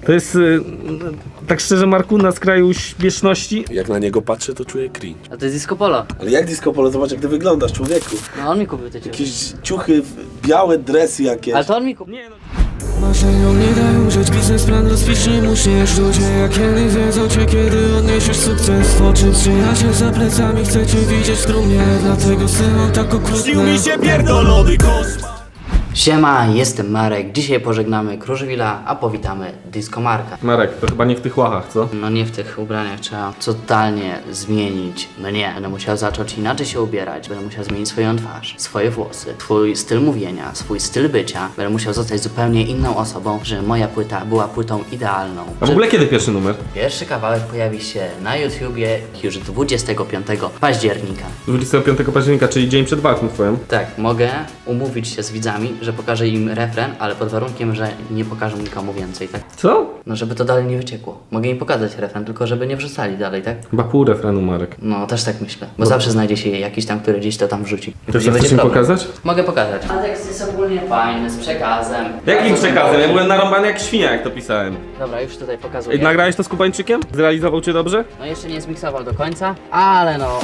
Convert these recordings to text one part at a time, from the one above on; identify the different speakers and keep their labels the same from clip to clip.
Speaker 1: To jest, tak szczerze Marku, na skraju śmieszności.
Speaker 2: Jak na niego patrzę, to czuję cringe.
Speaker 3: A to jest disco polo.
Speaker 2: Ale jak disco polo? Zobacz jak ty wyglądasz, człowieku.
Speaker 3: No on mi kupił te ciuchy.
Speaker 2: Jakieś ciuchy, białe dresy jakieś.
Speaker 3: Ale to on mi kupił.
Speaker 1: Nie no.
Speaker 4: Marzeniom nie daj umrzeć, biznesplan rozpicznij, musisz ludzie jak kiedyś wiedzą cię, kiedy odniesiesz sukces w oczy. Przyjaciel za plecami chce cię widzieć w trumnie, dlatego syną tak okrutne.
Speaker 5: Śnił mi się pierdolony koszmar.
Speaker 3: Siema, jestem Marek. Dzisiaj pożegnamy Kruszwila, a powitamy Disco Marka.
Speaker 1: Marek, to chyba nie w tych łachach, co?
Speaker 3: No nie w tych ubraniach, trzeba totalnie zmienić mnie. Będę musiał zacząć inaczej się ubierać, będę musiał zmienić swoją twarz, swoje włosy, swój styl mówienia, swój styl bycia. Będę musiał zostać zupełnie inną osobą, żeby moja płyta była płytą idealną.
Speaker 1: A w ogóle kiedy pierwszy numer?
Speaker 3: Pierwszy kawałek pojawi się na YouTubie już 25 października.
Speaker 1: 25 października, czyli dzień przed walką twoją.
Speaker 3: Tak, mogę umówić się z widzami, że pokażę im refren, ale pod warunkiem, że nie pokażę nikomu więcej, tak?
Speaker 1: Co?
Speaker 3: No żeby to dalej nie wyciekło. Mogę im pokazać refren, tylko żeby nie wrzucali dalej, tak?
Speaker 1: Chyba pół refrenu, Marek.
Speaker 3: No też tak myślę, bo zawsze znajdzie się jakiś tam, który gdzieś to tam wrzuci. I
Speaker 1: To
Speaker 3: później
Speaker 1: chcesz
Speaker 3: będzie
Speaker 1: im
Speaker 3: problem.
Speaker 1: pokazać?
Speaker 3: Mogę pokazać. A tekst jest ogólnie fajny, z przekazem.
Speaker 1: Jakim przekazem? Ja byłem narąbany jak świnia, jak to pisałem.
Speaker 3: Dobra, już tutaj
Speaker 1: Ej,
Speaker 3: pokazuję.
Speaker 1: nagrałeś to z Kubańczykiem? Zrealizował cię dobrze?
Speaker 3: No jeszcze nie zmiksował do końca, ale no...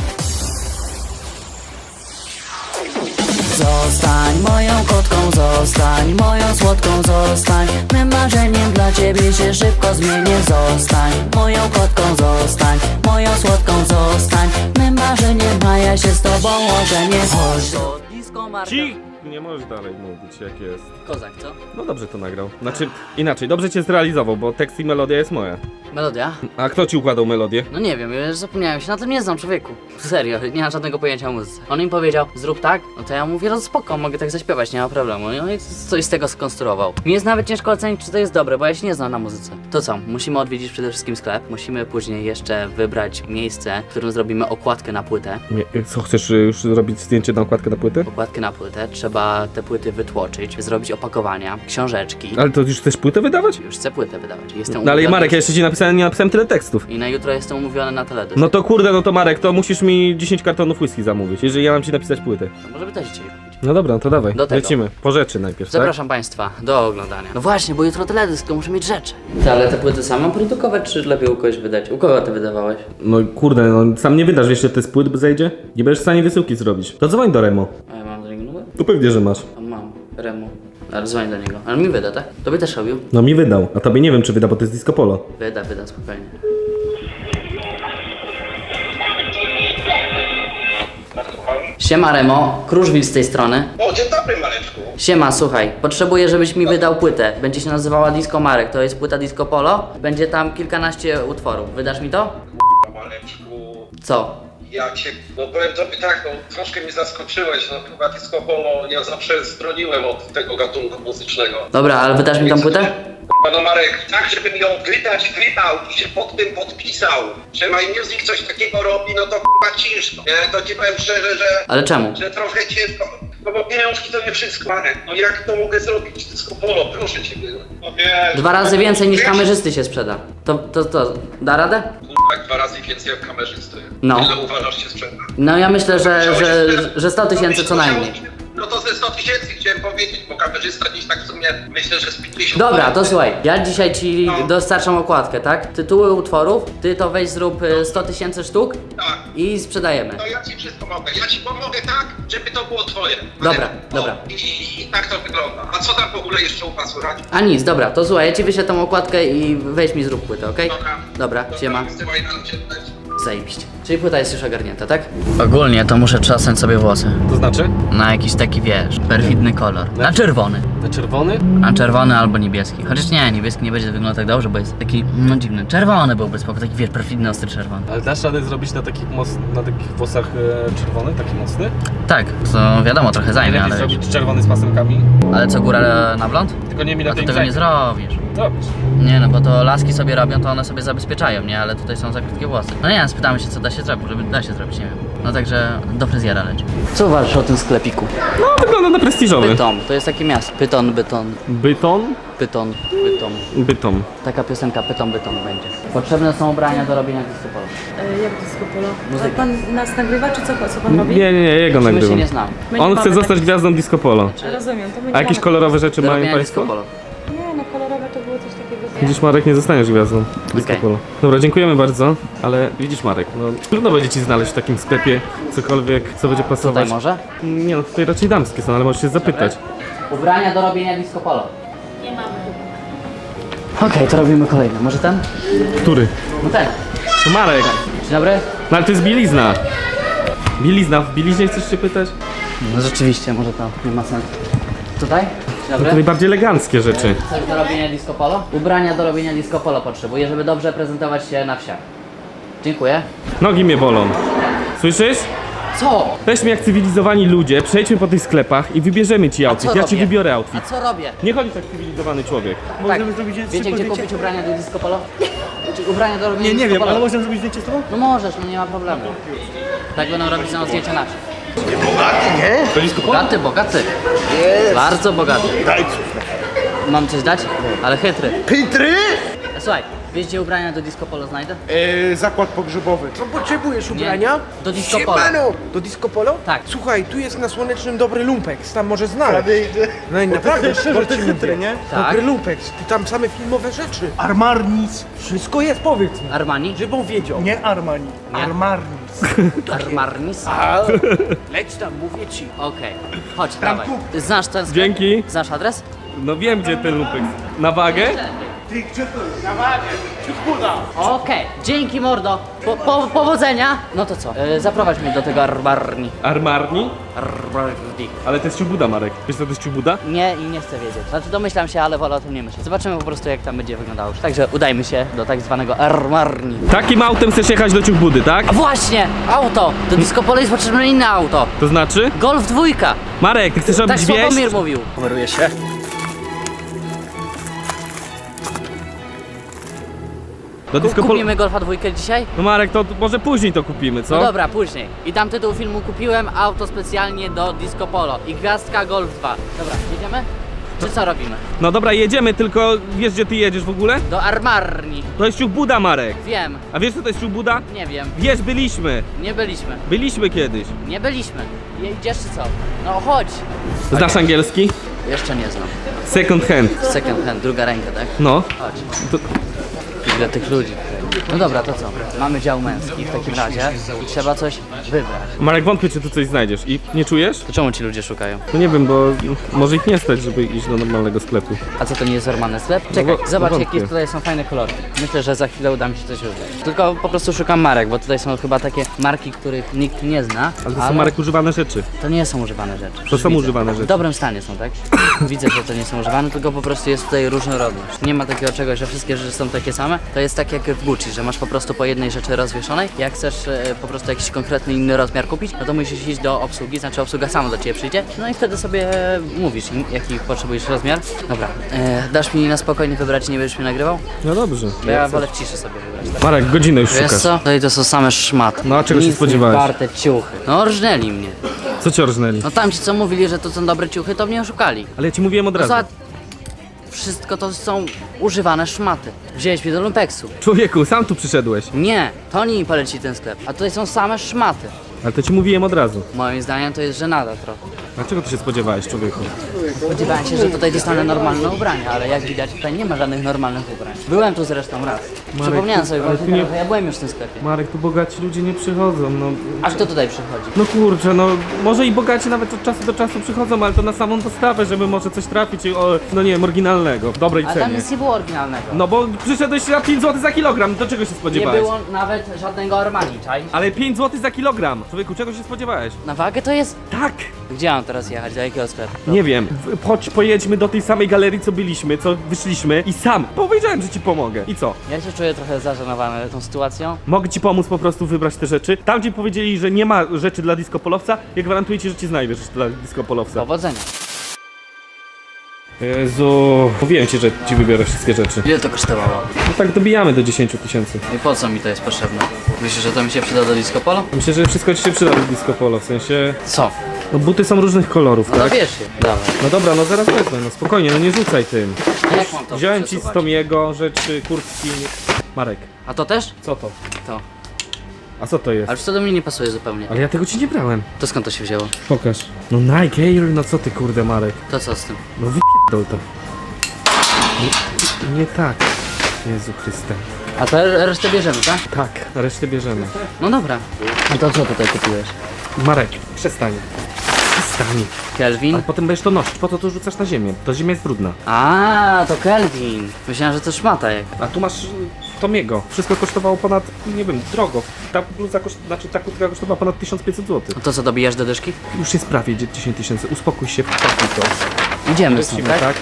Speaker 6: Zostań moją kotką, zostań moją słodką, zostań mym marzeniem, dla ciebie się szybko zmienię. Zostań moją kotką, zostań moją słodką, zostań mym marzeniem, a ja się z tobą ożenię. Chodź do disco Marka.
Speaker 1: Nie możesz dalej mówić jak jest.
Speaker 3: Kozak, co?
Speaker 1: No dobrze to nagrał. Znaczy, inaczej, dobrze cię zrealizował, bo tekst i melodia jest moja.
Speaker 3: Melodia?
Speaker 1: A kto ci układał melodię?
Speaker 3: No nie wiem, ja już zapomniałem się, na tym nie znam, człowieku. Serio, nie mam żadnego pojęcia o muzyce. On im powiedział, zrób tak, no to ja mówię, no spoko, mogę tak zaśpiewać, nie ma problemu. No i coś z tego skonstruował. Mi jest nawet ciężko ocenić, czy to jest dobre, bo ja się nie znam na muzyce. To co, musimy odwiedzić przede wszystkim sklep, musimy później jeszcze wybrać miejsce, w którym zrobimy okładkę na płytę.
Speaker 1: Nie, co, chcesz już zrobić zdjęcie na okładkę na płytę?
Speaker 3: Okładkę na płytę, trzeba te płyty wytłoczyć, zrobić opakowania, książeczki.
Speaker 1: Ale to już chcesz płytę wydawać?
Speaker 3: Już chcę płytę wydawać. Jestem
Speaker 1: No ale
Speaker 3: umówiony
Speaker 1: Marek, ja jeszcze ci napisałem, nie napisałem tyle tekstów.
Speaker 3: I na jutro jestem umówiony na teledysk.
Speaker 1: No to kurde, no to Marek, to musisz mi 10 kartonów whisky zamówić, jeżeli ja mam ci napisać płytę.
Speaker 3: No może by też dzisiaj kupić.
Speaker 1: No dobra, no to dawaj,
Speaker 3: Do tego.
Speaker 1: lecimy. Po rzeczy najpierw, tak?
Speaker 3: Zapraszam Państwa do oglądania. No właśnie, bo jutro teledysk, to muszę mieć rzeczy. Ty, ale te płyty sam mam produkować, czy lepiej u kogoś wydać? U kogo ty wydawałeś?
Speaker 1: No kurde, no sam nie wydasz, wiesz, że to z płyt zejdzie? Nie będziesz w stanie wysyłki zrobić. To dzwoń do Remo.
Speaker 3: A ja mam do niego numer?
Speaker 1: To pewnie, że masz.
Speaker 3: A mam, Remu. Ale dzwoń do niego. Ale mi wyda, tak? Tobie też robił?
Speaker 1: No mi wydał, a tobie nie wiem, czy wyda, bo to jest disco polo.
Speaker 3: Wyda, spokojnie. Siema Remo, Kruszwil z tej strony.
Speaker 7: O, dzień dobry, Mareczku.
Speaker 3: Siema, słuchaj, potrzebuję, żebyś mi wydał płytę. Będzie się nazywała Disco Marek, to jest płyta Disco Polo. Będzie tam kilkanaście utworów. Wydasz mi to?
Speaker 7: Mareczku,
Speaker 3: Co?
Speaker 7: ja cię, no powiem tobie tak, no troszkę mnie zaskoczyłeś, no chyba disco polo, ja zawsze stroniłem od tego gatunku muzycznego.
Speaker 3: Dobra, ale wydasz mi tą płytę?
Speaker 7: No Marek, tak żebym ją wydał i się pod tym podpisał, że My Music coś takiego robi, no to k***a ciężko, nie? To ci powiem szczerze,
Speaker 3: Ale czemu?
Speaker 7: że trochę ciężko, no bo pieniążki to nie wszystko, Marek, no jak to mogę zrobić, disco polo, proszę ciebie, no wiesz.
Speaker 3: 2 razy więcej niż
Speaker 7: Wiesz,
Speaker 3: kamerzysty się sprzeda. To da radę?
Speaker 7: Jak 2 razy więcej jak kamerzysty.
Speaker 3: No.
Speaker 7: Ile uważasz się sprzeda?
Speaker 3: No ja myślę, że 100 tysięcy co najmniej.
Speaker 7: No to ze 100 tysięcy chciałem powiedzieć, bo kamerzysta dziś tak w sumie myślę, że z 50.
Speaker 3: Dobra, to słuchaj, ja dzisiaj ci dostarczam okładkę, tak? Tytuły utworów, ty to weź zrób 100 tysięcy sztuk
Speaker 7: Tak,
Speaker 3: i sprzedajemy.
Speaker 7: to ja ci wszystko mogę. Ja ci pomogę tak, żeby to było twoje.
Speaker 3: Dobra,
Speaker 7: O,
Speaker 3: dobra.
Speaker 7: I tak to wygląda. A co tam w ogóle jeszcze u was słychać?
Speaker 3: A nic, dobra, to słuchaj, ja ci wyślę tą okładkę i weź mi zrób płytę, okej? Dobra, siema.
Speaker 7: Wysyłaj nam cię tutaj.
Speaker 3: Zajebiście. Czyli płyta jest już ogarnięta, tak? Ogólnie to muszę trzasnąć sobie włosy.
Speaker 1: To znaczy?
Speaker 3: Na jakiś taki, wiesz, perfidny kolor. Na czerwony.
Speaker 1: Na czerwony?
Speaker 3: A czerwony albo niebieski. Chociaż nie, niebieski nie będzie wyglądał tak dobrze, bo jest taki, no dziwny. Czerwony byłby spoko, taki wiesz, perfidny, ostry czerwony.
Speaker 1: Ale dasz radę zrobić na takich włosach czerwony, taki mocny?
Speaker 3: Tak, to wiadomo, trochę zajmie, ale wiesz.
Speaker 1: zrobić czerwony z pasemkami.
Speaker 3: Ale co, góra na blond?
Speaker 1: Tylko nie mi na
Speaker 3: A to
Speaker 1: tej
Speaker 3: tego nie zrobisz.
Speaker 1: Zrobisz.
Speaker 3: Nie no, bo to laski sobie robią, to one sobie zabezpieczają, nie? Ale tutaj są za krótkie włosy. No nie, spytamy się, co da się zrobić, żeby da się zrobić, nie wiem. No także do fryzjera leci. Co uważasz o tym sklepiku?
Speaker 1: No wygląda na prestiżowy.
Speaker 3: Pyton, to jest takie miasto. Pyton.
Speaker 1: Byton? Bytom.
Speaker 3: Taka piosenka Pyton będzie. Potrzebne są ubrania do robienia disco polo.
Speaker 8: Jak disco polo?
Speaker 3: Muzyka.
Speaker 8: Ale pan nas nagrywa, czy co pan robi?
Speaker 1: Nie, jego
Speaker 3: My się
Speaker 1: nagrywam.
Speaker 3: nie znamy.
Speaker 8: My nie
Speaker 1: On
Speaker 8: mamy
Speaker 1: chce zostać
Speaker 8: takich-
Speaker 1: gwiazdą disco polo.
Speaker 8: Rozumiem, to my nie
Speaker 1: A jakieś
Speaker 8: mamy-
Speaker 1: kolorowe rzeczy
Speaker 3: Do
Speaker 1: mają
Speaker 3: robienia
Speaker 1: państwo?
Speaker 3: disco polo.
Speaker 8: Nie, no kolorowe to było coś takiego
Speaker 1: Widzisz, Marek, nie zostaniesz gwiazdą Disco Polo. Dobra, dziękujemy bardzo, ale widzisz, Marek, no trudno będzie ci znaleźć w takim sklepie cokolwiek, co będzie pasować.
Speaker 3: Tutaj może?
Speaker 1: Nie no, tutaj raczej damskie są, ale możesz się zapytać.
Speaker 3: Ubrania do robienia disco polo. Okej, to robimy kolejne. Może ten?
Speaker 1: Który?
Speaker 3: No ten.
Speaker 1: To Marek!
Speaker 3: Dzień dobry.
Speaker 1: No ale to jest bielizna. Bielizna, w bieliźnie chcesz się pytać?
Speaker 3: No rzeczywiście, może to nie ma sensu. Tutaj? Dzień
Speaker 1: To
Speaker 3: dobry.
Speaker 1: najbardziej eleganckie rzeczy.
Speaker 3: Coś do robienia disco polo? Ubrania do robienia disco polo potrzebuję, żeby dobrze prezentować się na wsiach. Dziękuję.
Speaker 1: Nogi mnie bolą. Słyszysz?
Speaker 3: Co?
Speaker 1: Weźmy jak cywilizowani ludzie, przejdźmy po tych sklepach i wybierzemy ci outfit. Ja ci
Speaker 3: robię?
Speaker 1: wybiorę outfit.
Speaker 3: A co robię?
Speaker 1: Nie chodzi tak cywilizowany człowiek.
Speaker 3: Tak. Wiecie gdzie kupić ubrania do disco polo? Czy ubrania do robienia disco polo? Ale
Speaker 2: Możemy zrobić zdjęcie z tobą?
Speaker 3: No możesz, no nie ma problemu. Tak będą robić za nas zdjęcia nasze. Bogaty, bogaty. Bardzo bogaty. Mam coś dać? Ale chytry.
Speaker 9: Pitry?
Speaker 3: Słuchaj, wiesz gdzie ubrania do disco polo znajdę?
Speaker 9: Zakład pogrzebowy. Co potrzebujesz ubrania?
Speaker 3: Do disco polo.
Speaker 9: Siemano! Do disco polo?
Speaker 3: Tak.
Speaker 9: Słuchaj, tu jest na Słonecznym dobry lumpeks, tam może znaleźć. No i naprawdę, szczerze ci mówię.
Speaker 2: nie?
Speaker 3: Tak.
Speaker 9: Dobry lumpeks, tam same filmowe rzeczy.
Speaker 5: Armarnis.
Speaker 9: Wszystko jest, powiedz mi.
Speaker 3: Armani?
Speaker 9: Żebym wiedział.
Speaker 5: Nie Armani.
Speaker 3: Nie?
Speaker 5: Armarnis.
Speaker 3: Armarnis?
Speaker 9: Leć tam, mówię ci.
Speaker 3: Okej, chodź, dawaj. Znasz ten sklep?
Speaker 1: Dzięki.
Speaker 3: Znasz adres?
Speaker 1: No wiem gdzie ten lupek. Na wagę?
Speaker 5: Ty, gdzie to jest?
Speaker 3: Okej, dzięki mordo. Powodzenia. No to co? Zaprowadź mnie do tego Armarni.
Speaker 1: Armarni?
Speaker 3: Armarni.
Speaker 1: Ale to jest ciubuda, Marek. Wiesz co to jest ciubuda?
Speaker 3: Nie i nie chcę wiedzieć. Znaczy domyślam się, ale wolę o tym nie myśleć. Zobaczymy po prostu jak tam będzie wyglądało. Także udajmy się do tak zwanego Armarni.
Speaker 1: Takim autem chcesz jechać do ciubudy, tak?
Speaker 3: A właśnie! Auto! Do disco polo jest potrzebne inne auto.
Speaker 1: To znaczy?
Speaker 3: Golf 2.
Speaker 1: Marek, ty chcesz
Speaker 3: Tak
Speaker 1: robić wieś?
Speaker 3: Sławomir mówił.
Speaker 2: Kameruje się.
Speaker 1: Do disco polo...
Speaker 3: Kupimy Golfa 2 dzisiaj?
Speaker 1: No Marek, to może później to kupimy, co?
Speaker 3: No dobra, później. I tam tytuł filmu kupiłem auto specjalnie do disco polo. I gwiazdka Golf 2. Dobra, jedziemy? Czy co robimy?
Speaker 1: No dobra, jedziemy, tylko wiesz gdzie ty jedziesz w ogóle?
Speaker 3: Do Armarni.
Speaker 1: To jest ciubuda, Marek.
Speaker 3: Wiem.
Speaker 1: A wiesz co to jest ciubuda?
Speaker 3: Nie wiem.
Speaker 1: Wiesz, byliśmy.
Speaker 3: Nie byliśmy.
Speaker 1: Byliśmy kiedyś.
Speaker 3: Nie byliśmy. Idziesz czy co? No chodź.
Speaker 1: Znasz angielski?
Speaker 3: Jeszcze nie znam.
Speaker 1: Second hand.
Speaker 3: Second hand, druga ręka, tak?
Speaker 1: No.
Speaker 3: Chodź.
Speaker 1: To...
Speaker 3: Ile tych ludzi. No dobra, to co? Mamy dział męski w takim razie i trzeba coś wybrać.
Speaker 1: Marek, wątpię, czy tu coś znajdziesz. I nie czujesz?
Speaker 3: To czemu ci ludzie szukają?
Speaker 1: No nie wiem, bo może ich nie stać, żeby iść do normalnego sklepu.
Speaker 3: A co, to nie jest normalny sklep? Czekaj,
Speaker 1: bo-
Speaker 3: zobacz
Speaker 1: no
Speaker 3: jakie
Speaker 1: wątpię.
Speaker 3: tutaj są fajne kolory. Myślę, że za chwilę uda mi się coś wybrać. Tylko po prostu szukam marek, bo tutaj są chyba takie marki, których nikt nie zna.
Speaker 1: Ale to są, Marek, używane rzeczy.
Speaker 3: To nie są używane rzeczy.
Speaker 1: To
Speaker 3: Już
Speaker 1: są
Speaker 3: widzę.
Speaker 1: używane
Speaker 3: W
Speaker 1: rzeczy.
Speaker 3: dobrym stanie są, tak? Widzę, że to nie są używane, tylko po prostu jest tutaj różnorodność. Nie ma takiego czegoś, że wszystkie rzeczy są takie same. To jest tak jak w Gucci, że masz po prostu po jednej rzeczy rozwieszonej. Jak chcesz po prostu jakiś konkretny inny rozmiar kupić, no to musisz iść do obsługi, znaczy obsługa sama do ciebie przyjdzie. No i wtedy sobie mówisz im, jaki potrzebujesz rozmiar. Dobra, dasz mi na spokojnie wybrać i nie będziesz mnie nagrywał?
Speaker 1: No dobrze.
Speaker 3: Bo ja wolę w ciszy sobie wybrać. Tak?
Speaker 1: Marek, godzinę już
Speaker 3: Wiesz
Speaker 1: szukasz.
Speaker 3: co? Tutaj to są same szmaty.
Speaker 1: No, a czego się
Speaker 3: Nic
Speaker 1: spodziewałeś?
Speaker 3: nie warte ciuchy. No rżnęli mnie.
Speaker 1: Co ci orżnęli?
Speaker 3: No tamci co mówili, że to są dobre ciuchy, to mnie oszukali.
Speaker 1: Ale ja ci mówiłem od
Speaker 3: No
Speaker 1: razu.
Speaker 3: za... Wszystko to są używane szmaty. Wziąłeś mnie do lumpeksu.
Speaker 1: Człowieku, sam tu przyszedłeś.
Speaker 3: Nie, to oni mi polecili ten sklep. A tutaj są same szmaty.
Speaker 1: Ale to ci mówiłem od razu.
Speaker 3: Moim zdaniem to jest żenada trochę.
Speaker 1: Dlaczego ty się spodziewałeś, człowieku?
Speaker 3: Spodziewałem się, że tutaj dostanę normalne ubrania, ale jak widać tutaj nie ma żadnych normalnych ubrań. Byłem tu zresztą raz. Przypomniałem sobie
Speaker 1: ale
Speaker 3: właśnie
Speaker 1: tu nie-
Speaker 3: teraz, że ja byłem już w tym sklepie.
Speaker 1: Marek, tu bogaci ludzie nie przychodzą, no.
Speaker 3: A kto tutaj przychodzi?
Speaker 1: No kurczę, no może i bogaci nawet od czasu do czasu przychodzą, ale to na samą dostawę, żeby może coś trafić, o, no nie wiem, oryginalnego, w dobrej
Speaker 3: Ale tam
Speaker 1: cenie.
Speaker 3: nic nie było oryginalnego.
Speaker 1: No bo przyszedłeś na 5 zł za kilogram, do czego się
Speaker 3: Nie
Speaker 1: spodziewałeś?
Speaker 3: było nawet żadnego Armani, czaj?
Speaker 1: Ale 5 zł za kilogram! Człowieku, czego się spodziewałeś?
Speaker 3: Na wagę to jest...
Speaker 1: Tak!
Speaker 3: Gdzie mam teraz jechać? Do jakiego sklepu?
Speaker 1: Nie wiem. Chodź, pojedźmy do tej samej galerii, co byliśmy, co wyszliśmy i sam powiedziałem, że ci pomogę. I co?
Speaker 3: Ja się czuję trochę zażenowany tą sytuacją.
Speaker 1: Mogę ci pomóc po prostu wybrać te rzeczy. Tam, gdzie powiedzieli, że nie ma rzeczy dla disco polowca, ja gwarantuję ci, że ci znajdziesz rzeczy dla disco polowca.
Speaker 3: Powodzenia.
Speaker 1: Jezu, mówiłem ci, że ci wybiorę wszystkie rzeczy.
Speaker 3: Ile to kosztowało?
Speaker 1: No tak dobijamy do 10 000.
Speaker 3: I po co mi to jest potrzebne? Myślisz, że to mi się przyda do disco polo?
Speaker 1: Myślę, że wszystko ci się przyda do disco polo, w sensie...
Speaker 3: Co?
Speaker 1: No buty są różnych kolorów,
Speaker 3: No
Speaker 1: tak?
Speaker 3: wiesz je. Dawaj.
Speaker 1: No dobra, no zaraz wezmę, no spokojnie, no nie rzucaj tym.
Speaker 3: A jak mam to
Speaker 1: Wziąłem ci z
Speaker 3: przesuwać?
Speaker 1: Tomiego rzeczy, kurtki... Marek,
Speaker 3: A to też?
Speaker 1: co to?
Speaker 3: To.
Speaker 1: A co to jest?
Speaker 3: Ale co do mnie nie pasuje zupełnie.
Speaker 1: Ale ja tego ci nie brałem.
Speaker 3: To skąd to się wzięło?
Speaker 1: Pokaż. No Nike Air, no co ty kurde, Marek?
Speaker 3: To co z tym?
Speaker 1: No wypierdol to. Nie tak. Jezu Chryste.
Speaker 3: A to resztę bierzemy, tak?
Speaker 1: Tak, resztę bierzemy.
Speaker 3: No dobra. A to co tutaj kupiłeś?
Speaker 1: Marek, przestań. Przestań.
Speaker 3: Kelvin?
Speaker 1: Ale potem będziesz to nosić, po co to rzucasz na ziemię? To ziemia jest brudna.
Speaker 3: A, to Kelvin. Myślałem, że to szmata jak.
Speaker 1: A tu masz Tomiego. Wszystko kosztowało ponad, nie wiem, drogo. Ta bluza, ta kurtka kosztowała ponad 1500 zł.
Speaker 3: A to co, dobijasz do dyszki?
Speaker 1: Już jest prawie 10 tysięcy. Uspokój się, pakuj to.
Speaker 3: Idziemy stąd,
Speaker 1: Lecimy,
Speaker 3: tak?
Speaker 1: tak?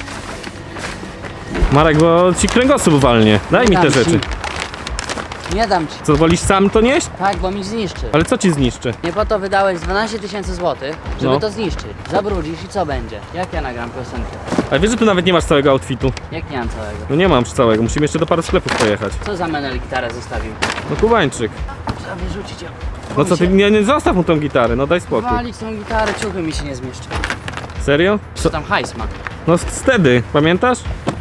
Speaker 1: Marek, bo ci kręgosłup walnie. Daj mi te
Speaker 3: Dam ci.
Speaker 1: rzeczy.
Speaker 3: Nie dam ci.
Speaker 1: Co, wolisz sam to nieść?
Speaker 3: Tak, bo mi zniszczy.
Speaker 1: Ale co ci zniszczy?
Speaker 3: Nie po to wydałeś 12 tysięcy złotych, żeby
Speaker 1: No.
Speaker 3: to zniszczyć. Zabrudzisz i co będzie? Jak ja nagram piosenkę?
Speaker 1: Ale wiesz, że tu nawet nie masz całego outfitu?
Speaker 3: Jak nie mam całego?
Speaker 1: No nie mam całego, musimy jeszcze do paru sklepów pojechać.
Speaker 3: Co za menel gitarę zostawił?
Speaker 1: No Kubańczyk.
Speaker 3: Trzeba wyrzucić ją.
Speaker 1: No co ty, nie zostaw mu tą gitarę, no daj spokój.
Speaker 3: Walić tą gitarę, ciuchy mi się nie zmieszczą.
Speaker 1: Serio?
Speaker 3: Co tam hajs ma?
Speaker 1: No wtedy, pamiętasz?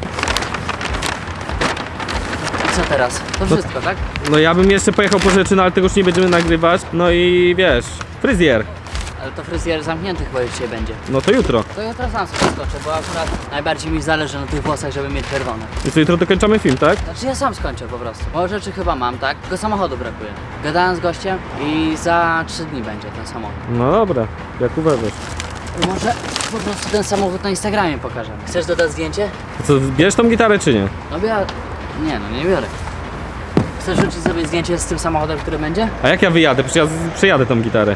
Speaker 3: I co teraz? To wszystko, tak?
Speaker 1: No ja bym jeszcze pojechał po rzeczy, no ale tego już nie będziemy nagrywać. No i wiesz, fryzjer.
Speaker 3: Ale to fryzjer zamknięty chyba już dzisiaj będzie.
Speaker 1: No to jutro.
Speaker 3: To jutro sam sobie skoczę, bo akurat najbardziej mi zależy na tych włosach, żeby mieć czerwone.
Speaker 1: I co, jutro dokończamy film, tak?
Speaker 3: Znaczy ja sam skończę po prostu. Bo rzeczy chyba mam, tak? Tylko samochodu brakuje. Gadałem z gościem i za 3 dni będzie ten samochód.
Speaker 1: No dobra, jak uważasz.
Speaker 3: Może po prostu ten samochód na Instagramie pokażemy. Chcesz dodać zdjęcie?
Speaker 1: To co, bierzesz tą gitarę czy nie?
Speaker 3: No biorę. Nie no, nie biorę. Chcesz rzucić sobie zdjęcie z tym samochodem, który będzie?
Speaker 1: A jak ja wyjadę? Przecież ja przejadę tą gitarę.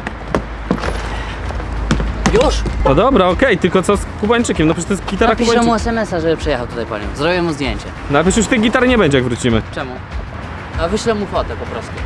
Speaker 3: Już!
Speaker 1: No dobra, okej, tylko co z Kubańczykiem? No przecież to jest gitara
Speaker 3: Napiszę mu
Speaker 1: Kubańczyka.
Speaker 3: SMS-a, żeby przyjechał tutaj po nią. Zrobię mu zdjęcie.
Speaker 1: No ale przecież już tej gitary nie będzie jak wrócimy.
Speaker 3: Czemu? A wyślę mu fotę po prostu.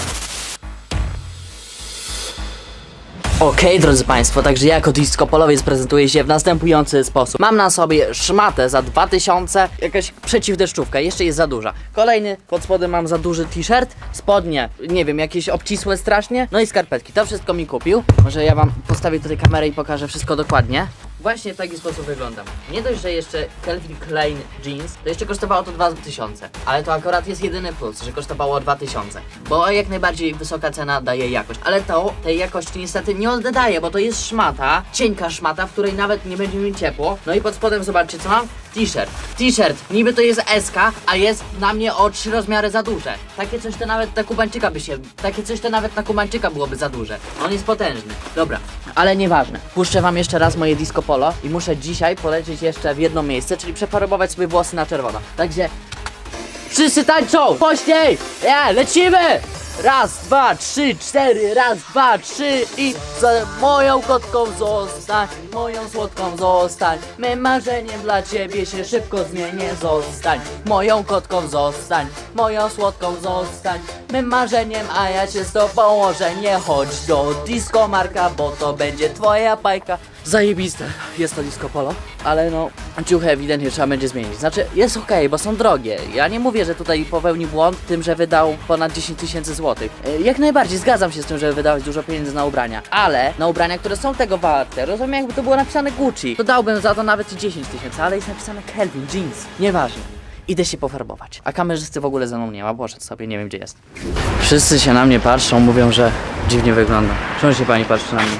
Speaker 3: Okej, drodzy Państwo, także ja jako disco polowiec prezentuję się w następujący sposób. Mam na sobie szmatę za 2000, jakaś przeciwdeszczówka, jeszcze jest za duża. Kolejny, pod spodem mam za duży t-shirt, spodnie, nie wiem, jakieś obcisłe strasznie, no i skarpetki. To wszystko mi kupił. Może ja wam postawię tutaj kamerę i pokażę wszystko dokładnie. Właśnie w taki sposób wyglądam. Nie dość, że jeszcze Calvin Klein jeans, to jeszcze kosztowało to 2000. Ale to akurat jest jedyny plus, że kosztowało 2000. Bo jak najbardziej wysoka cena daje jakość. Ale to tej jakości niestety nie oddaje, bo to jest szmata, cienka szmata, w której nawet nie będzie mi ciepło. No i pod spodem zobaczcie co mam? T-shirt. T-shirt. Niby to jest SK, a jest na mnie o 3 rozmiary za duże. Takie coś to nawet na Kubańczyka takie coś to nawet na Kubańczyka byłoby za duże. On jest potężny. Dobra, ale nieważne. Puszczę wam jeszcze raz moje disco polo i muszę dzisiaj polecieć jeszcze w jedno miejsce, czyli przeparować sobie włosy na czerwono. Także wszyscy tańczą! Głośniej! Lecimy! Raz, dwa, trzy, cztery, raz, dwa, trzy i za moją kotką zostań, moją słodką zostań. Mym marzeniem dla ciebie się szybko zmienię, zostań. Moją kotką zostań, moją słodką zostań. Mym marzeniem, a ja cię z tobą łożę. Nie chodź do disco Marka, bo to będzie twoja bajka. Zajebiste, jest to disco polo, ale no ciuchy ewidentnie trzeba będzie zmienić. Znaczy jest okej, bo są drogie. Ja nie mówię, że tutaj popełnił błąd tym, że wydał ponad 10 tysięcy złotych. Jak najbardziej zgadzam się z tym, żeby wydawać dużo pieniędzy na ubrania, ale na ubrania, które są tego warte, rozumiem, jakby to było napisane Gucci, to dałbym za to nawet i 10 tysięcy, ale jest napisane Calvin Jeans. Nieważne. Idę się pofarbować. A kamerzysty w ogóle ze mną nie ma, poszedł sobie, nie wiem gdzie jest. Wszyscy się na mnie patrzą, mówią, że dziwnie wyglądam. Czemu się pani patrzy na mnie?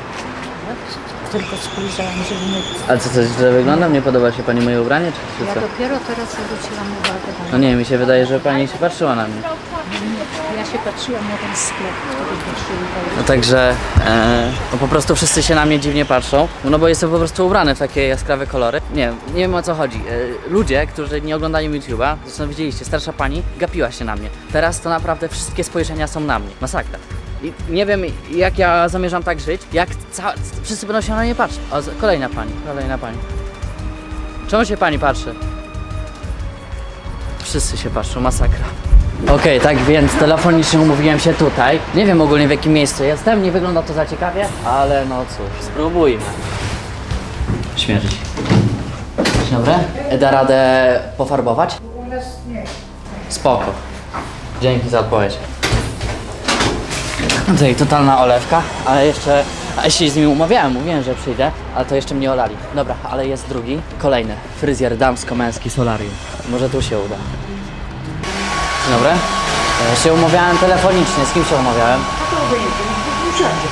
Speaker 8: Tylko spojrzałam, żeby nie...
Speaker 3: Ale co, coś źle wyglądam? Nie podoba się pani moje ubranie, czy
Speaker 8: Ja
Speaker 3: co?
Speaker 8: dopiero teraz zwróciłam uwagę
Speaker 3: No nie, mi się wydaje, że pani się patrzyła na mnie.
Speaker 8: Ja się patrzyłam na ten sklep, który patrzył.
Speaker 3: No także, no po prostu wszyscy się na mnie dziwnie patrzą, no bo jestem po prostu ubrany w takie jaskrawe kolory. Nie wiem o co chodzi. Ludzie, którzy nie oglądają YouTube'a, zresztą widzieliście, starsza pani gapiła się na mnie. Teraz to naprawdę wszystkie spojrzenia są na mnie. Masakra. I nie wiem jak ja zamierzam tak żyć, jak wszyscy będą się na mnie patrzeć. O, kolejna pani. Czemu się pani patrzy? Wszyscy się patrzą, masakra. Okej, tak więc telefonicznie umówiłem się tutaj. Nie wiem ogólnie w jakim miejscu jestem, nie wygląda to za ciekawie, ale no cóż, spróbujmy. Śmierć. Dzień dobry. Da radę pofarbować? Spoko. Dzięki za odpowiedź. Tutaj totalna olewka, ale jeszcze... A się z nimi umawiałem, mówiłem, że przyjdę, ale to jeszcze mnie olali. Dobra, ale jest drugi, kolejny. Fryzjer damsko-męski solarium. Może tu się uda. Dzień dobry. Ja się umawiałem telefonicznie. Z kim się umawiałem?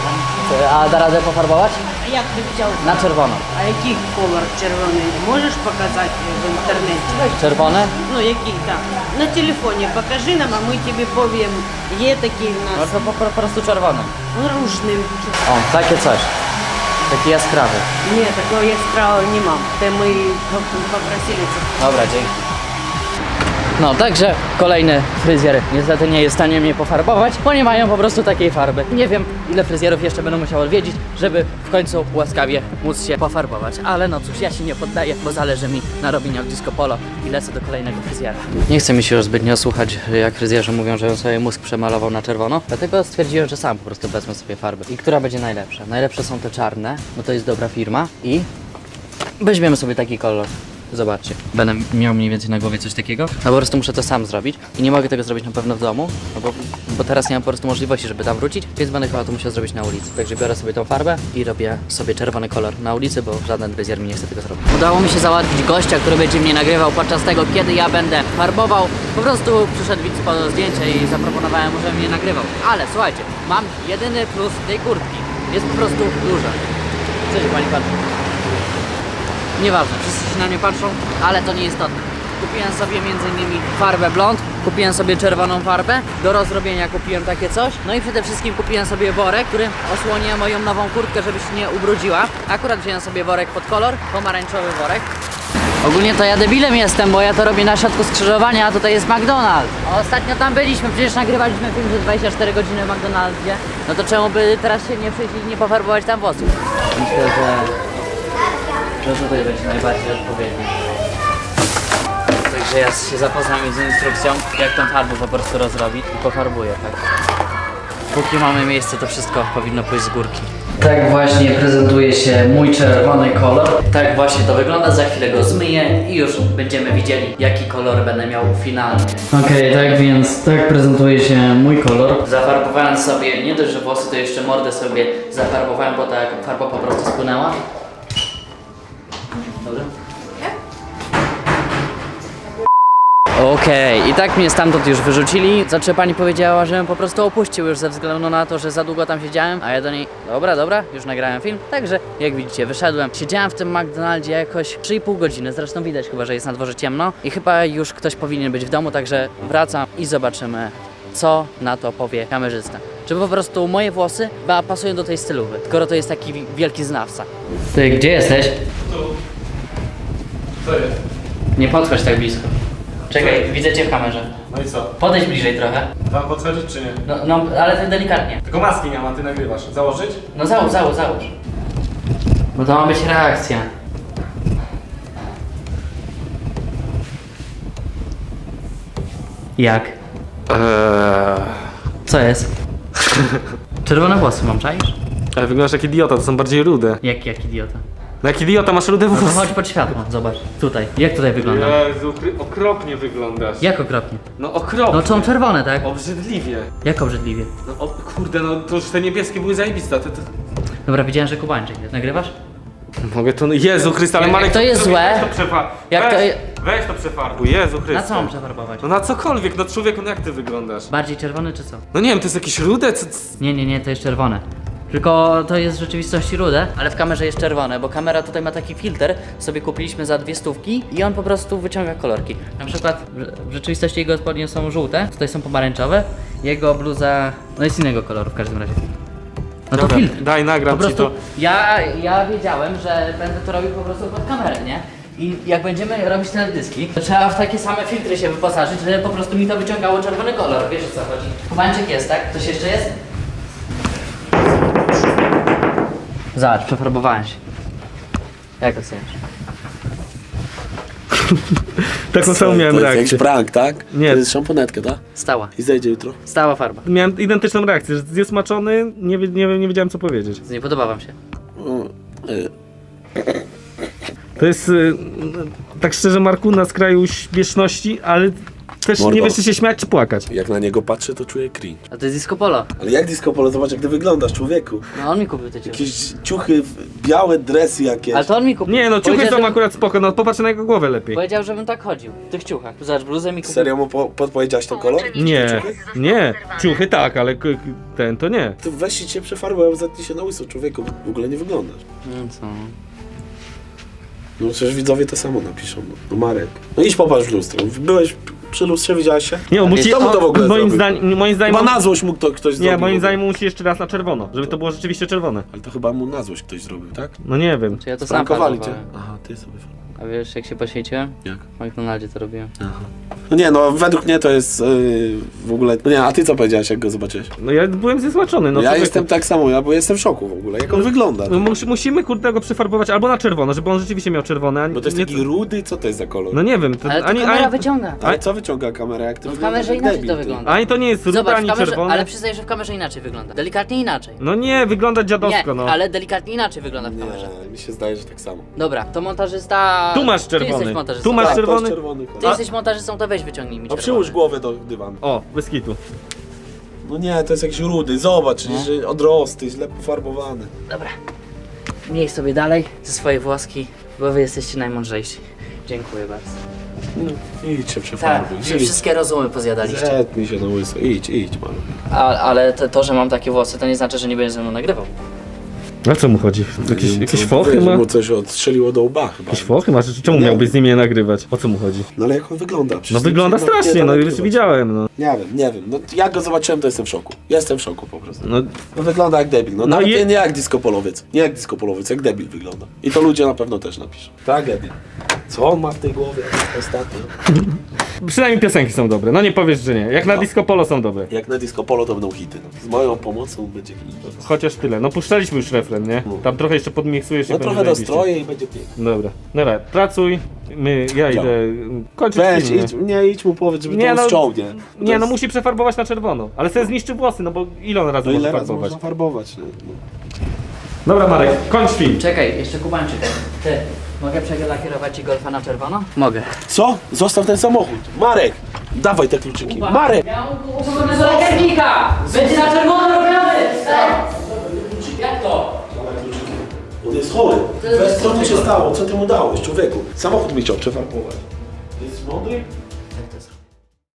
Speaker 3: A da radę pofarbować?
Speaker 8: Jak ty chciał?
Speaker 3: Na czerwono.
Speaker 8: A який колор червоний? Можеш показати в інтернеті?
Speaker 3: Czerwone?
Speaker 8: Ну, який, так. На телефоні покажи нам, а ми тобі повім. Є такий в
Speaker 3: No
Speaker 8: нас
Speaker 3: to po prostu czerwone.
Speaker 8: ружний.
Speaker 3: O, takie coś. Taki jaskrawy.
Speaker 8: Ні, такого яскравого нема. Те ми попросили це.
Speaker 3: Dobra, dzięki. No, także kolejny fryzjer niestety nie jest w stanie mnie pofarbować, bo nie mają po prostu takiej farby. Nie wiem, ile fryzjerów jeszcze będę musiał odwiedzić, żeby w końcu łaskawie móc się pofarbować. Ale no cóż, ja się nie poddaję, bo zależy mi na robieniach disco polo i lecę do kolejnego fryzjera. Nie chce mi się już zbytnio słuchać, jak fryzjerzy mówią, że on sobie mózg przemalował na czerwono, dlatego stwierdziłem, że sam po prostu wezmę sobie farby. I która będzie najlepsza? Najlepsze są te czarne, bo to jest dobra firma i weźmiemy sobie taki kolor. Zobaczcie, będę miał mniej więcej na głowie coś takiego, no po prostu muszę to sam zrobić i nie mogę tego zrobić na pewno w domu, no bo teraz nie mam po prostu możliwości, żeby tam wrócić, więc będę chyba to musiał zrobić na ulicy. Także biorę sobie tą farbę i robię sobie czerwony kolor na ulicy, bo żaden fryzjer mi nie chce tego zrobić. Udało mi się załatwić gościa, który będzie mnie nagrywał podczas tego, kiedy ja będę farbował. Po prostu przyszedł widz po zdjęcie i zaproponowałem mu, żeby mnie nagrywał. Ale słuchajcie, mam jedyny plus tej kurtki. Jest po prostu duża. Co się pani patrzy? Nieważne, wszyscy się na mnie patrzą, ale to nie istotne. Kupiłem sobie m.in. farbę blond, kupiłem sobie czerwoną farbę, do rozrobienia kupiłem takie coś, no i przede wszystkim kupiłem sobie worek, który osłoni moją nową kurtkę, żeby się nie ubrudziła. Akurat wziąłem sobie worek pod kolor, pomarańczowy worek. Ogólnie to ja debilem jestem, bo ja to robię na środku skrzyżowania, a tutaj jest McDonald's. Ostatnio tam byliśmy, przecież nagrywaliśmy film, że 24 godziny w McDonaldzie. No to czemu by teraz się nie przyjść i nie pofarbować tam włosów? Myślę, że tutaj będzie najbardziej odpowiedni. Także ja się zapoznam z instrukcją, jak tą farbę po prostu rozrobić i pofarbuję, tak. Póki mamy miejsce, to wszystko powinno pójść z górki. Tak właśnie prezentuje się mój czerwony kolor. Tak właśnie to wygląda, za chwilę go zmyję i już będziemy widzieli, jaki kolor będę miał finalnie. Okej, tak więc tak prezentuje się mój kolor. Zafarbowałem sobie, nie dość, że włosy, to jeszcze mordę sobie zafarbowałem, bo tak farba po prostu spłynęła. Dobrze? Okej, i tak mnie stamtąd już wyrzucili, za co pani powiedziała, żebym po prostu opuścił już ze względu na to, że za długo tam siedziałem, a ja do niej, dobra, już nagrałem film, także jak widzicie wyszedłem, siedziałem w tym McDonaldzie jakoś 3,5 godziny, zresztą widać chyba, że jest na dworze ciemno i chyba już ktoś powinien być w domu, także wracam i zobaczymy, co na to powie kamerzysta. Czy po prostu moje włosy pasują do tej stylówy, skoro to jest taki wielki znawca. Ty, gdzie jesteś?
Speaker 1: Tu. Co jest?
Speaker 3: Nie podchodź tak blisko. Czekaj, widzę cię w kamerze.
Speaker 1: No i co?
Speaker 3: Podejdź bliżej trochę.
Speaker 1: Mam podchodzić czy nie?
Speaker 3: No, ale ty delikatnie.
Speaker 1: Tylko maski nie ma, ty nagrywasz. Założyć?
Speaker 3: No załóż. Bo to ma być reakcja. Jak? Co jest? Czerwone włosy mam, czaisz?
Speaker 1: Ale wyglądasz jak idiota, to są bardziej rude.
Speaker 3: Jak idiota?
Speaker 1: No jak idiota, masz rude
Speaker 3: No to
Speaker 1: włosy.
Speaker 3: chodź pod światło, zobacz. Tutaj. Jak tutaj wygląda?
Speaker 1: Jezu, okropnie wyglądasz.
Speaker 3: Jak okropnie?
Speaker 1: No okropnie.
Speaker 3: No są czerwone, tak?
Speaker 1: Obrzydliwie.
Speaker 3: Jak obrzydliwie?
Speaker 1: No kurde, no to już te niebieskie były zajebiste.
Speaker 3: Dobra, widziałem, że kubańczyk jest. Nagrywasz?
Speaker 1: Mogę to... Jezu Chryste, ale
Speaker 3: Jak
Speaker 1: Marek...
Speaker 3: to jest złe,
Speaker 1: Weź to przefarbuj.
Speaker 3: jak to
Speaker 1: Weź to przefarbuj, Jezu Chryste.
Speaker 3: Na co mam przefarbować?
Speaker 1: No na cokolwiek, no człowieku, no jak ty wyglądasz?
Speaker 3: Bardziej czerwony czy co?
Speaker 1: No nie wiem, to jest jakieś rude, co...
Speaker 3: Nie, to jest czerwone. Tylko to jest w rzeczywistości rude, ale w kamerze jest czerwone, bo kamera tutaj ma taki filtr, sobie kupiliśmy za 200 i on po prostu wyciąga kolorki. Na przykład w rzeczywistości jego spodnie są żółte, tutaj są pomarańczowe, jego bluza no jest innego koloru w każdym razie. No to
Speaker 1: Dobra,
Speaker 3: filtr.
Speaker 1: daj, nagram
Speaker 3: Po prostu
Speaker 1: ci to.
Speaker 3: ja wiedziałem, że będę to robił po prostu pod kamerę, nie? I jak będziemy robić teledyski, to trzeba w takie same filtry się wyposażyć, żeby po prostu mi to wyciągało czerwony kolor. Wiesz o co chodzi? Kubańczyk jest, tak? Coś jeszcze jest? Zobacz, przefarbowałem się. Jak oceniasz?
Speaker 1: Taką samą miałem
Speaker 2: To jest jakiś
Speaker 1: reakcję.
Speaker 2: prank, tak?
Speaker 1: Nie.
Speaker 2: To jest szamponetkę, tak?
Speaker 3: Stała.
Speaker 2: I zejdzie jutro.
Speaker 3: Stała farba.
Speaker 1: Miałem identyczną reakcję, że jest smaczony, nie wiedziałem co powiedzieć.
Speaker 3: Nie podoba wam się.
Speaker 1: To jest, tak szczerze Marku, na skraju śmieszności, ale Chcesz,
Speaker 2: Mordo.
Speaker 1: nie wiesz, czy się śmiać, czy płakać.
Speaker 2: Jak na niego patrzę, to czuję cringe.
Speaker 3: A to jest disco polo.
Speaker 2: Ale jak disco polo, zobacz jak ty wyglądasz, człowieku.
Speaker 3: No on mi kupił te ciuchy.
Speaker 2: Jakieś ciuchy, białe dresy jakieś.
Speaker 3: Ale to on mi kupił.
Speaker 1: Nie, no ciuchy
Speaker 3: Powiedział,
Speaker 1: są
Speaker 3: że-
Speaker 1: akurat spoko, no popatrz na jego głowę lepiej.
Speaker 3: Powiedział, żebym tak chodził. W tych ciuchach. Zobacz, bluzę mi kupił.
Speaker 2: Serio mu podpowiedziałeś ten kolor?
Speaker 1: Nie, nie, ciuchy tak, ale ten to nie.
Speaker 2: Ty weź się przefarbuj, zetnij się na łyso, człowieku. W ogóle nie wyglądasz.
Speaker 3: No co?
Speaker 2: No przecież widzowie to samo napiszą. No Marek. No idź popatrz w lustro. Byłeś przy lustrze, widziałeś się?
Speaker 1: Nie, on musi,
Speaker 2: Kto mu to w ogóle
Speaker 1: moim
Speaker 2: zrobił?
Speaker 1: zdaniem,
Speaker 2: Chyba na złość mu ktoś zrobił.
Speaker 1: nie, moim
Speaker 2: w ogóle.
Speaker 1: zdaniem musi jeszcze raz na czerwono, żeby to było rzeczywiście czerwone.
Speaker 2: Ale to chyba mu na złość ktoś zrobił, tak?
Speaker 1: No nie wiem.
Speaker 3: Czy ja to sam
Speaker 2: Sprankowali cię.
Speaker 3: farbowałem.
Speaker 2: Aha, ty sobie.
Speaker 3: A wiesz, jak się poświęciłem?
Speaker 2: Jak?
Speaker 3: W McDonaldzie to robiłem.
Speaker 2: No nie, no według mnie to jest w ogóle... No nie, a ty co powiedziałeś, jak go zobaczyłeś?
Speaker 1: No ja byłem zesłaczony, no
Speaker 2: ja
Speaker 1: człowieku.
Speaker 2: jestem tak samo, bo jestem w szoku w ogóle. Jak on wygląda?
Speaker 1: No musimy kurde go przefarbować albo na czerwono, żeby on rzeczywiście miał czerwone, a
Speaker 2: Bo to jest
Speaker 1: nie...
Speaker 2: taki rudy, co to jest za kolor?
Speaker 1: No nie wiem, to
Speaker 3: Ale to kamera wyciąga.
Speaker 2: Ale co wyciąga kamera, jak ty
Speaker 3: No w
Speaker 2: wyglądasz
Speaker 3: kamerze
Speaker 2: jak
Speaker 3: inaczej
Speaker 2: debil,
Speaker 3: to
Speaker 2: ty?
Speaker 3: wygląda.
Speaker 1: Ani to nie jest ruda,
Speaker 3: Zobacz, w
Speaker 1: ani
Speaker 3: kamerze,
Speaker 1: czerwone.
Speaker 3: ale przyznaję, że w kamerze inaczej wygląda. Delikatnie inaczej.
Speaker 1: No nie, wygląda dziadowsko,
Speaker 3: Nie,
Speaker 1: no.
Speaker 3: ale delikatnie inaczej wygląda w kamerze.
Speaker 2: Nie, mi się zdaje, że tak samo.
Speaker 3: Dobra, to montażysta...
Speaker 1: Tu masz
Speaker 3: Ty
Speaker 1: czerwony.
Speaker 3: jesteś montażystą.
Speaker 1: Tu masz
Speaker 2: Tak, to
Speaker 1: czerwony.
Speaker 2: jest czerwony
Speaker 3: Ty
Speaker 2: kolor.
Speaker 3: jesteś montażystą, to weź wyciągnij mi
Speaker 2: No
Speaker 3: czerwony.
Speaker 2: przyłóż głowę do dywanu.
Speaker 1: O, bez kitu.
Speaker 2: No nie, to jest jakiś rudy, zobacz, że odrosty, źle pofarbowany.
Speaker 3: Dobra. Miej sobie dalej ze swojej włoski, bo wy jesteście najmądrzejsi. Dziękuję bardzo.
Speaker 2: No, idź się
Speaker 3: Tak,
Speaker 2: przefarbuj.
Speaker 3: wy wszystkie rozumy pozjadaliście.
Speaker 2: Zetnij się na łyso, idź man.
Speaker 3: Ale to, że mam takie włosy, to nie znaczy, że nie będziesz ze mną nagrywał.
Speaker 1: A co mu chodzi? Jakieś fochy
Speaker 2: Wiesz,
Speaker 1: ma?
Speaker 2: mu coś odstrzeliło do łba chyba.
Speaker 1: Jakieś fochy ma? Czemu
Speaker 2: Nie
Speaker 1: miałbyś
Speaker 2: wiem.
Speaker 1: z nimi nie nagrywać? O co mu chodzi?
Speaker 2: No ale jak on wygląda? Przecież
Speaker 1: No
Speaker 2: to
Speaker 1: wygląda
Speaker 2: się nie
Speaker 1: strasznie,
Speaker 2: da
Speaker 1: no już
Speaker 2: nagrywać.
Speaker 1: widziałem, no.
Speaker 2: Nie wiem, no jak go zobaczyłem, to jestem w szoku. Jestem w szoku po prostu.
Speaker 1: No,
Speaker 2: No wygląda jak debil, no,
Speaker 1: No
Speaker 2: nawet
Speaker 1: i-
Speaker 2: nie jak disco-polowiec. Nie jak disco-polowiec, jak debil wygląda. I to ludzie na pewno też napiszą. Tak, debil. Co on ma w tej głowie ostatnio?
Speaker 1: przynajmniej piosenki są dobre, no nie powiesz, że nie. Jak na disco polo są dobre.
Speaker 2: Jak na disco-polo to będą hity. No. Z moją pomocą będzie hit.
Speaker 1: Chociaż tyle. No puszczaliśmy już refren, nie? Tam trochę jeszcze podmiksujesz i
Speaker 2: No
Speaker 1: będzie
Speaker 2: trochę
Speaker 1: zajebiście.
Speaker 2: dostroję i będzie pięknie.
Speaker 1: Dobra. Dobra, pracuj. Ja idę kończyć
Speaker 2: Weź,
Speaker 1: film, nie?
Speaker 2: idź mu powiedz, żeby
Speaker 1: Nie,
Speaker 2: to
Speaker 1: no,
Speaker 2: ściągnie.
Speaker 1: Nie, no musi przefarbować na czerwono. Ale sobie zniszczy włosy, no bo ile on razy
Speaker 2: No
Speaker 1: może
Speaker 2: ile razy
Speaker 1: farbować?
Speaker 2: można farbować? No.
Speaker 1: Dobra Marek, kończ film.
Speaker 3: Czekaj, jeszcze Kubańczyk. Ty, mogę przelakierować ci golfa na czerwono? Mogę.
Speaker 2: Co? Zostaw ten samochód. Marek! Dawaj te kluczyki. Marek!
Speaker 3: Ja mam do lakiernika! Będzie na czerwono robiony! Jak to?
Speaker 2: On jest chory. Weź, co mu się stało? Co ty mu dałeś, człowieku? Samochód mi chciał przefarbować. Jest mądry?